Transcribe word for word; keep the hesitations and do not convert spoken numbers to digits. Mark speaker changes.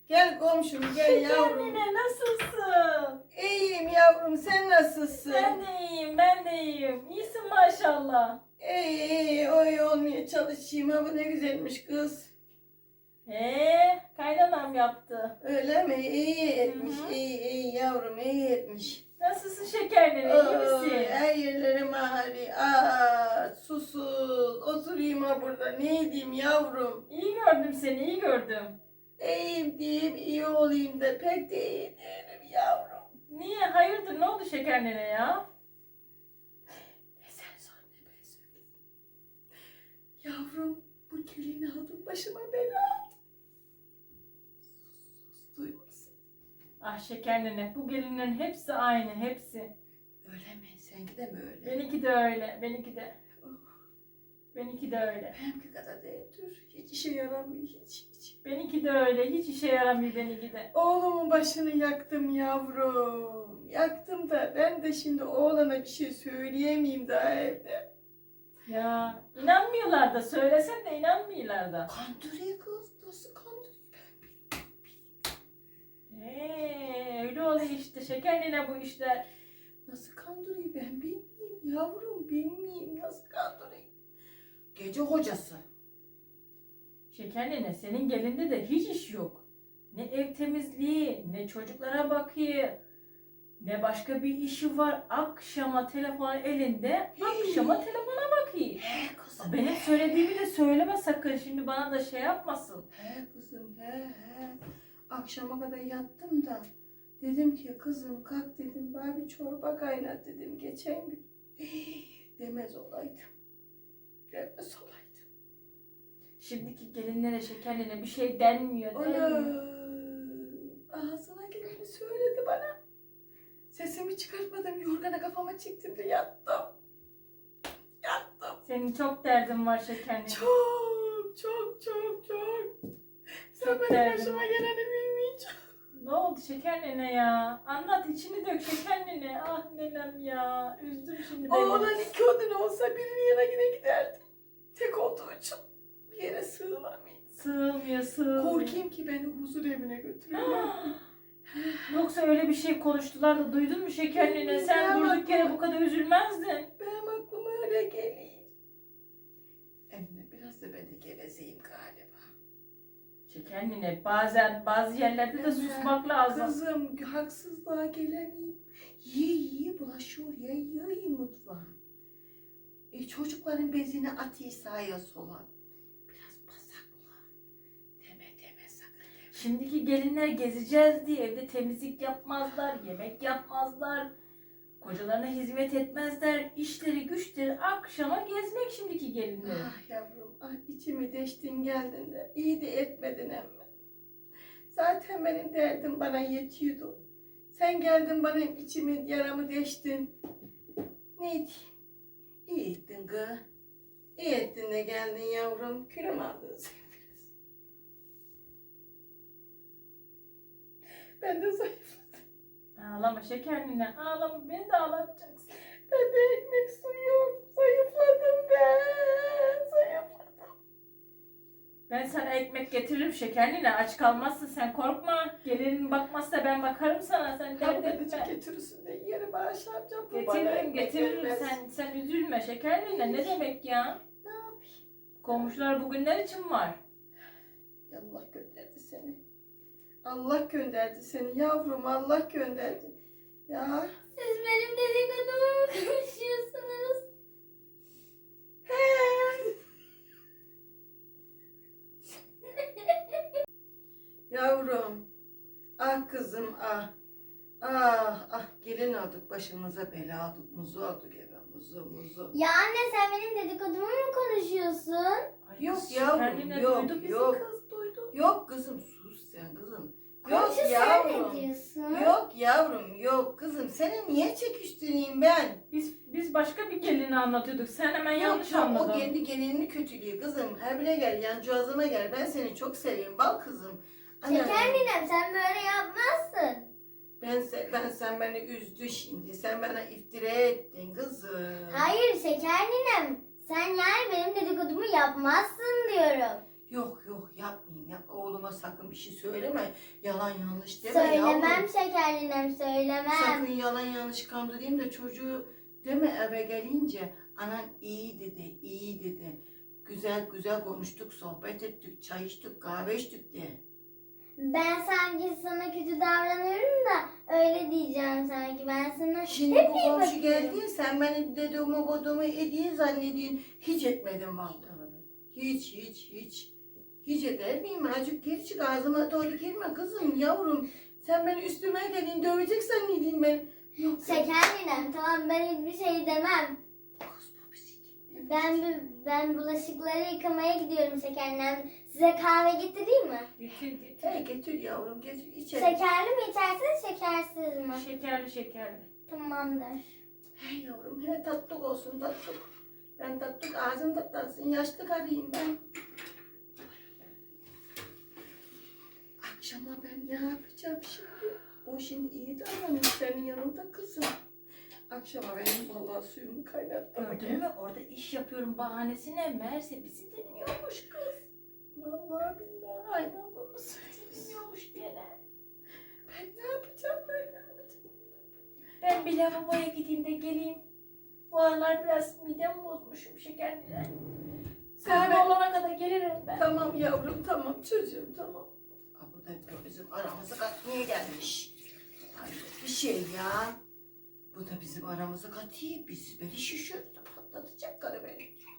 Speaker 1: Gel komşum gel yavrum.
Speaker 2: Nene nasılsın?
Speaker 1: İyiyim yavrum sen nasılsın?
Speaker 2: Ben de iyiyim, ben de iyiyim. İyisin maşallah.
Speaker 1: İyi iyi oy olmaya çalışayım. Ha bu ne güzelmiş kız.
Speaker 2: Ee, kaynanam yaptı.
Speaker 1: Öyle mi? İyi etmiş.
Speaker 2: Hı hı.
Speaker 1: İyi iyi yavrum iyi etmiş.
Speaker 2: Nasılsın şeker nene, iyi
Speaker 1: Oy,
Speaker 2: misin?
Speaker 1: her yerlerim ağrıyor. Aa, susuz. Oturayım ha burada. Ne edeyim yavrum?
Speaker 2: İyi gördüm seni, iyi gördüm.
Speaker 1: İyiyim diyeyim iyi olayım da pek de iyi değilim yavrum.
Speaker 2: Niye? Hayırdır? Ne oldu şeker nene ya?
Speaker 1: Ne sen sor ne ben söyleyeyim. Yavrum bu gelini aldım başıma bela aldı. Sus duymasın.
Speaker 2: Ah şeker nene, bu gelinlerin hepsi aynı, hepsi.
Speaker 1: Öyle mi? Seninki de mi öyle?
Speaker 2: Benimki de öyle, benimki de.
Speaker 1: Oh,
Speaker 2: Benimki de öyle.
Speaker 1: benimki kadar değil dur. Hiç işe yaramıyor hiç hiç.
Speaker 2: Benimki de öyle, hiç işe yaramıyor benimki de.
Speaker 1: Oğlumun başını yaktım yavrum. Yaktım da ben de şimdi oğlana bir şey söyleyemeyeyim daha evde.
Speaker 2: Ya inanmıyorlar da, söylesen de inanmıyorlar da.
Speaker 1: Kandırıyor kız. Nasıl kandırıyor ben bilmiyorum.
Speaker 2: Eee öyle oluyor işte şeker nene bu işler.
Speaker 1: Nasıl kandırıyor ben bilmiyorum yavrum bilmiyorum nasıl kandırıyor. Gece hocası.
Speaker 2: Şeker nene senin gelinde de hiç iş yok. Ne ev temizliği, ne çocuklara bakıyor, ne başka bir işi var. Akşama telefon elinde, akşama telefona bakıyor.
Speaker 1: He kızım.
Speaker 2: Benim
Speaker 1: he.
Speaker 2: söylediğimi de söyleme sakın, şimdi bana da şey yapmasın.
Speaker 1: He kızım he he. Akşama kadar yattım da dedim ki kızım kalk dedim bana bir çorba kaynat dedim geçen gün. Demez olaydım. Demez olaydım.
Speaker 2: Şimdiki gelinlere şeker nene bir şey denmiyor,
Speaker 1: Ana
Speaker 2: denmiyor.
Speaker 1: ağzına geleni söyledi bana. Sesimi çıkartmadım yorgana kafama çektim de yattım. Yattım.
Speaker 2: Senin çok derdin var şeker nene.
Speaker 1: Çok çok çok çok. Sen
Speaker 2: Çok
Speaker 1: benim
Speaker 2: derdim.
Speaker 1: başıma geleni bilmeyeceksin.
Speaker 2: Ne oldu şeker nene ya? Anlat, içini dök şeker nene. Ah nenem ya. Üzdün şimdi beni.
Speaker 1: Oğlan iki odun olsa birinin yanına yine giderdim. Tek olduğu için bir yere sığınamayayım.
Speaker 2: Sığmıyor, sığmıyor.
Speaker 1: Korkayım ki beni huzur evine götürürler.
Speaker 2: Yoksa öyle bir şey konuştular da duydun mu şeker nene? Sen
Speaker 1: Ya
Speaker 2: durduk yere
Speaker 1: bak-
Speaker 2: bu kadar üzülmezdin.
Speaker 1: Benim aklıma öyle geliyor. Emme biraz da ben de gevezeyim galiba.
Speaker 2: Şeker nene bazen bazı yerlerde de
Speaker 1: Emme,
Speaker 2: susmak lazım.
Speaker 1: Kızım haksızlığa gelemeyim. Yiye yiye bulaşıyor ya yiye mutfağa. E, çocukların bezini atıyor sağa sola. Biraz pasakla. Deme deme sakın deme.
Speaker 2: Şimdiki gelinler gezeceğiz diye evde temizlik yapmazlar, yemek yapmazlar. Kocalarına hizmet etmezler. İşleri güçleri akşama gezmek şimdiki gelinler.
Speaker 1: Ah yavrum, ah içimi deştin geldin de iyi de etmedin emme. Zaten benim derdim bana yetiyordu. Sen geldin bana içimi yaramı deştin. Neydi? İyi ettin kız. İyi ettin de geldin yavrum. Külüm aldın sen biraz. Ben de zayıfladım.
Speaker 2: Ağlama şeker nene, ağlama, beni de ağlatacaksın.
Speaker 1: Ben de ekmek su yok. Zayıfladım ben. Zayıfladım.
Speaker 2: Ben sana ekmek getiririm şeker nene, aç kalmazsın sen, korkma. Gelinin bakmazsa ben bakarım sana, sen dert
Speaker 1: Haberci
Speaker 2: etme.
Speaker 1: getirirsin de yeri bağışlayacağım. Bu bana
Speaker 2: Getiririm
Speaker 1: ekmek
Speaker 2: getiririm,
Speaker 1: vermez.
Speaker 2: sen sen üzülme şeker nene, ne demek ya?
Speaker 1: Ne yapayım?
Speaker 2: Komşular bugünler için var.
Speaker 1: Allah gönderdi seni. Allah gönderdi seni yavrum. Allah gönderdi. Ya.
Speaker 3: Siz benim dedikodumu mu konuşuyorsunuz?
Speaker 1: He. Yavrum. Ah kızım ah. Ah ah gelin olduk başımıza bela olduk. Muzu olduk eve muzu muzu.
Speaker 3: Ya anne sen benim dedikodumu mu konuşuyorsun?
Speaker 2: Ay,
Speaker 1: Yok
Speaker 2: kız
Speaker 1: yavrum,
Speaker 2: şeker nene
Speaker 1: yok,
Speaker 2: duydu bizi,
Speaker 1: yok.
Speaker 2: kız duydu.
Speaker 1: Yok kızım sus sen kızım. Yok
Speaker 3: Komşu sen
Speaker 1: yavrum.
Speaker 3: ne diyorsun?
Speaker 1: Yok yavrum yok kızım. Seni niye çekiştireyim ben?
Speaker 2: Biz biz başka bir gelini anlatıyorduk, sen hemen yanlış
Speaker 1: Yok,
Speaker 2: anladın.
Speaker 1: O kendi gelinini kötülüyor kızım. Her bile gel yancağızıma gel. Ben seni çok seviyorum bal kızım. Ana,
Speaker 3: Şeker ninem sen böyle yapmazsın.
Speaker 1: Ben, se- ben sen beni üzdü şimdi. Sen bana iftira ettin kızım.
Speaker 3: Hayır şeker ninem sen yani benim dedikodumu yapmazsın diyorum.
Speaker 1: Yok yok yapmayayım. Yap. Oğluma sakın bir şey söyleme. Yalan yanlış deme
Speaker 3: Söylemem
Speaker 1: yavrum.
Speaker 3: şekerlinem söylemem.
Speaker 1: Sakın yalan yanlış kandırayım da çocuğu deme eve gelince anan iyi dedi, iyi dedi. Güzel güzel konuştuk, sohbet ettik, çay içtik, kahve içtik de.
Speaker 3: Ben sanki sana kötü davranıyorum da öyle diyeceğim sanki. Ben sana
Speaker 1: Şimdi
Speaker 3: hep
Speaker 1: bu
Speaker 3: iyi
Speaker 1: komşu
Speaker 3: bakıyorum.
Speaker 1: geldi, sen beni dedemi kodumu ediyi zannediyorsun. Hiç etmedim vallahi. Hiç, hiç, hiç. Hiç eder miyim? Azıcık geri çık, ağzıma doğru girme kızım, yavrum. Sen beni üstüme gelin, döveceksen ne diyeyim ben? Yok.
Speaker 3: Şekerlinem tamam ben hiçbir şey demem.
Speaker 1: Kız bu bir şey değil.
Speaker 3: Ben ben bulaşıkları yıkamaya gidiyorum şekerlinem. Size kahve getireyim mi?
Speaker 2: Getir getir.
Speaker 1: Hey getir yavrum, getir içeri.
Speaker 3: Şekerli mi içersiniz şekersiz mi?
Speaker 2: Şekerli şekerli.
Speaker 3: Tamamdır.
Speaker 1: Hey yavrum, he tatlık olsun tatlık. Ben tatlık ağzım tatlansın, yaşlı karıyım ben. Akşama ben ne yapacağım şimdi? O şimdi iyi davranıyor senin yanında kızım. Akşama benim vallahi suyumu kaynattım.
Speaker 2: Gördün mü? Orada iş yapıyorum bahanesine meğerse bizi dinliyormuş kız.
Speaker 1: Vallahi billahi aynen bunu söylüyorsun.
Speaker 2: Dinliyormuş gene.
Speaker 1: Ben ne yapacağım ben ne yapacağım?
Speaker 2: Ben bir lavaboya gideyim de geleyim. Bu aralar biraz midem bozmuşum şekerliden.
Speaker 1: Sen
Speaker 2: Kahve
Speaker 1: ben-
Speaker 2: olana kadar gelirim ben.
Speaker 1: Tamam yavrum tamam çocuğum tamam. Aa, bu da bizim aramızı katmaya gelmiş. Ay bir şey ya. Bu da bizim aramızı katıyor. Biz beni şişirdi patlatacak karı beni.